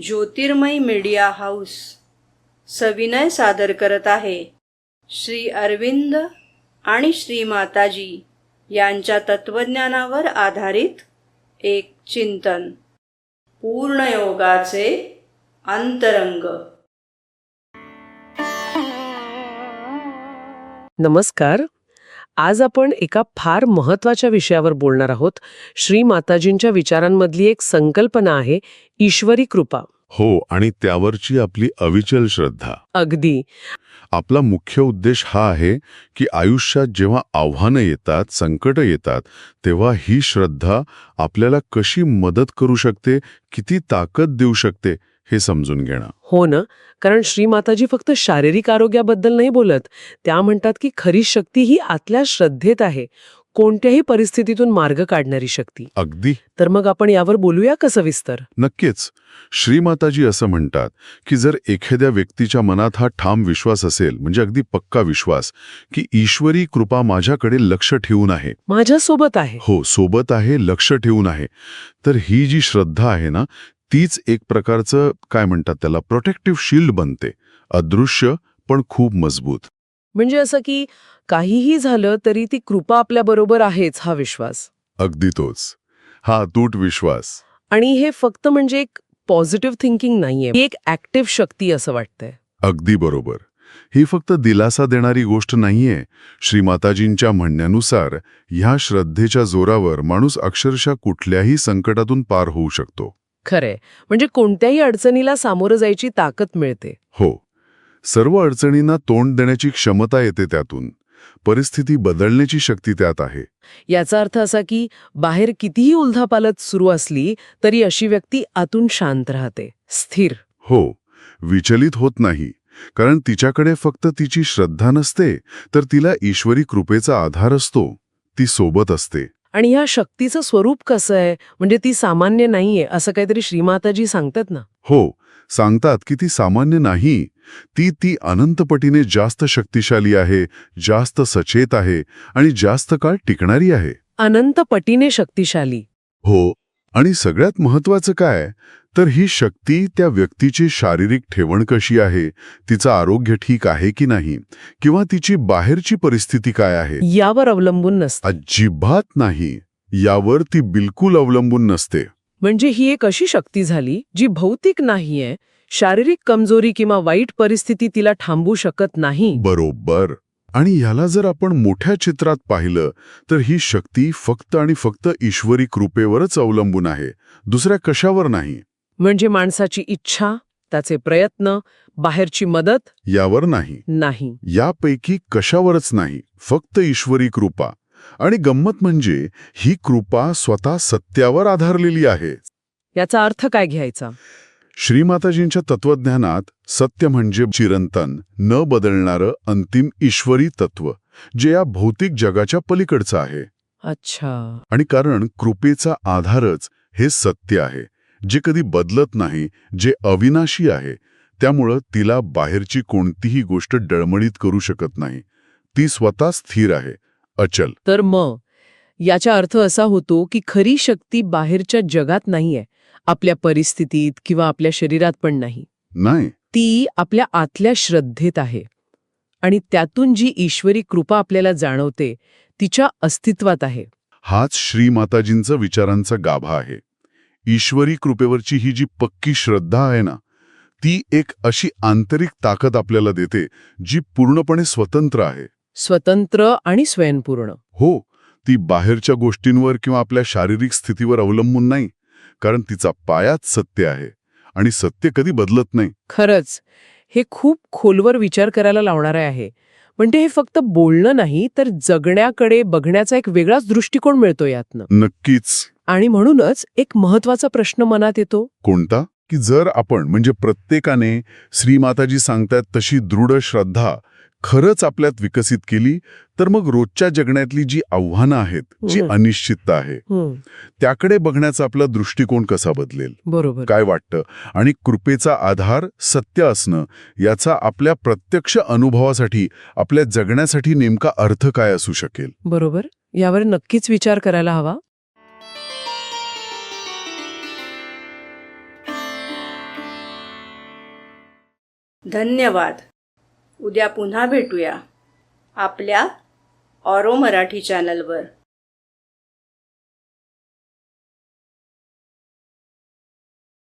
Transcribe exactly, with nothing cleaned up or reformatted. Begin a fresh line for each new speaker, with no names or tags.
ज्योतिर्मय media house सविनय सादर करत आहे श्री अरविंद आणि श्री माताजी यांच्या तत्वज्ञानावर आधारित एक चिंतन. पूर्णयोगाचे अंतरंग.
नमस्कार. आज आपण एका फार महत्वाच्या विषयावर बोलणार आहोत. श्री माताजींच्या विचारांमधली एक संकल्पना आहे ईश्वरी कृपा.
हो, आणि त्यावरची आपली अविचल श्रद्धा.
अगदी.
आपला मुख्य उद्देश हा आहे की आयुष्यात जेव्हा आव्हानं येतात, संकट येतात, तेव्हा ही श्रद्धा आपल्याला कशी मदत करू शकते, किती ताकद देऊ शकते हे समजून घेणं.
हो ना, कारण श्री माताजी फक्त शारीरिक आरोग्याबद्दल नाही बोलत. त्या म्हणतात की खरी शक्ती ही आतल्या श्रद्धेत आहे, कोणत्याही परिस्थितीतून मार्ग काढणारी शक्ती.
अगदी.
तर मग आपण यावर बोलूया का सविस्तर?
नक्कीच. श्रीमाताजी असं म्हणतात की जर एखाद्या व्यक्तीच्या मनात हा ठाम विश्वास असेल, म्हणजे अगदी पक्का विश्वास, की ईश्वरी कृपा माझ्याकडे लक्ष ठेवून आहे,
माझ्यासोबत आहे,
हो सोबत आहे, लक्ष ठेवून आहे, तर ही जी श्रद्धा आहे ना, तीच एक प्रकारचं काय म्हणतात त्याला प्रोटेक्टिव्ह शिल्ड बनते. अदृश्य पण खूप मजबूत.
म्हणजे असं की काहीही झालं तरी ती कृपा आपल्या बरोबर आहेच, हा विश्वास.
अगदी तोच, हा अतूट विश्वास.
आणि हे फक्त म्हणजे एक पॉझिटिव्ह थिंकिंग नाहीये, ही एक ऍक्टिव्ह शक्ती असं वाटतंय.
अगदी बरोबर. ही फक्त दिलासा देणारी गोष्ट नाहीये. श्रीमाताजींच्या म्हणण्यानुसार ह्या श्रद्धेच्या जोरावर माणूस अक्षरशः कुठल्याही संकटातून पार होऊ शकतो.
खरंय, म्हणजे कोणत्याही अडचणीला सामोरं जायची ताकद मिळते.
हो, सर्व अडचणींना तोंड देण्याची क्षमता येते त्यातून. परिस्थिती बदलण्याची शक्ती त्यात आहे.
याचा अर्थ असा की बाहेर कितीही उलथापालथ सुरू असली तरी अशी व्यक्ती आतून शांत राहते, स्थिर.
हो, विचलित होत नाही, कारण तिच्याकडे फक्त तिची श्रद्धा नसते, तर तिला ईश्वरी कृपेचा आधार असतो. ती सोबत असते.
आणि ह्या शक्तीचं स्वरूप कसं आहे, म्हणजे ती सामान्य नाहीये असं काहीतरी श्रीमाताजी सांगतात ना?
हो, सांगतात की ती सामान्य नाही. ती ती अनंतपटीने जास्त शक्तिशाली आहे, जास्त सचेत आहे आणि जास्त काळ टिकणारी आहे.
अनंत पटीने शक्तिशाली.
हो, आणि सगळ्यात महत्वाचं काय तर ही शक्ती त्या व्यक्तीची शारीरिक ठेवण कशी आहे, तिचं आरोग्य ठीक आहे की नाही, किंवा तिची बाहेरची परिस्थिती काय आहे,
यावर अवलंबून नसते.
अजिबात नाही. यावर ती बिलकुल अवलंबून नसते.
म्हणजे ही एक अशी शक्ती झाली जी भौतिक नाहीये, शारीरिक कमजोरी किंवा वाईट परिस्थिती तिला थांबवू शकत नाही.
बरोबर. आणि ह्याला जर आपण मोठ्या चित्रात पाहिलं तर ही शक्ती फक्त आणि फक्त ईश्वरी कृपेवरच अवलंबून आहे, दुसऱ्या कशावर नाही.
म्हणजे माणसाची इच्छा, त्याचे प्रयत्न, बाहेरची मदत
यावर नाही.
नाही.
यापैकी कशावरच नाही, फक्त ईश्वरी कृपा. आणि गंमत म्हणजे ही कृपा स्वतः सत्यावर आधारलेली आहे.
याचा अर्थ काय घ्यायचा?
श्रीमाताजींच्या तत्वज्ञानात सत्य म्हणजे चिरंतन, न बदलणारं अंतिम ईश्वरी तत्व, जे या भौतिक जगाच्या पलीकडचं आहे.
अच्छा.
आणि कारण कृपेचा आधारच हे सत्य आहे, जे कधी बदलत नाही, जे अविनाशी आहे, त्यामुळं तिला बाहेरची कोणतीही गोष्ट डळमळीत करू शकत नाही. ती स्वतः स्थिर आहे, अचल.
तर मग याचा अर्थ असा होतो की खरी शक्ती बाहेरच्या जगात नाहीये, आपल्या परिस्थितीत किंवा आपल्या शरीरात पण नाही.
नाही.
ती आपल्या आतल्या श्रद्धेत आहे. आणि त्यातून जी ईश्वरी कृपा आपल्याला जाणवते तिच्या अस्तित्वात आहे.
हाच श्रीमाताजींचा विचारांचा गाभा आहे. ईश्वरी कृपेवरची ही जी पक्की श्रद्धा आहे ना, ती एक अशी आंतरिक ताकद आपल्याला देते जी पूर्णपणे स्वतंत्र आहे.
स्वतंत्र आणि स्वयंपूर्ण.
हो, ती बाहेरच्या गोष्टींवर किंवा आपल्या शारीरिक स्थितीवर अवलंबून नाही, कारण तिचा पायाच सत्य आहे आणि सत्य कधी बदलत नाही.
खरंच, हे खूप खोलवर विचार करायला लावणारे आहे. म्हणजे हे फक्त बोलणं नाही, तर जगण्याकडे बघण्याचा एक वेगळाच दृष्टिकोन मिळतो यातनं.
नक्कीच.
आणि म्हणूनच एक महत्वाचा प्रश्न मनात येतो.
कोणता? की जर आपण म्हणजे प्रत्येकाने श्रीमाताजी सांगतात तशी दृढ श्रद्धा खरंच आपल्यात विकसित केली, तर मग रोजच्या जगण्यातली जी आव्हानं आहेत, जी अनिश्चितता आहे, त्याकडे बघण्याचा आपला दृष्टिकोन कसा बदलेल?
बरोबर.
काय वाटतं? आणि कृपेचा आधार सत्य असणं याचा आपल्या प्रत्यक्ष अनुभवासाठी, आपल्या जगण्यासाठी नेमका अर्थ काय असू शकेल?
बरोबर. यावर नक्कीच विचार करायला हवा.
धन्यवाद. उद्या पुन्हा भेटूया आपल्या ऑरो मराठी चॅनलवर.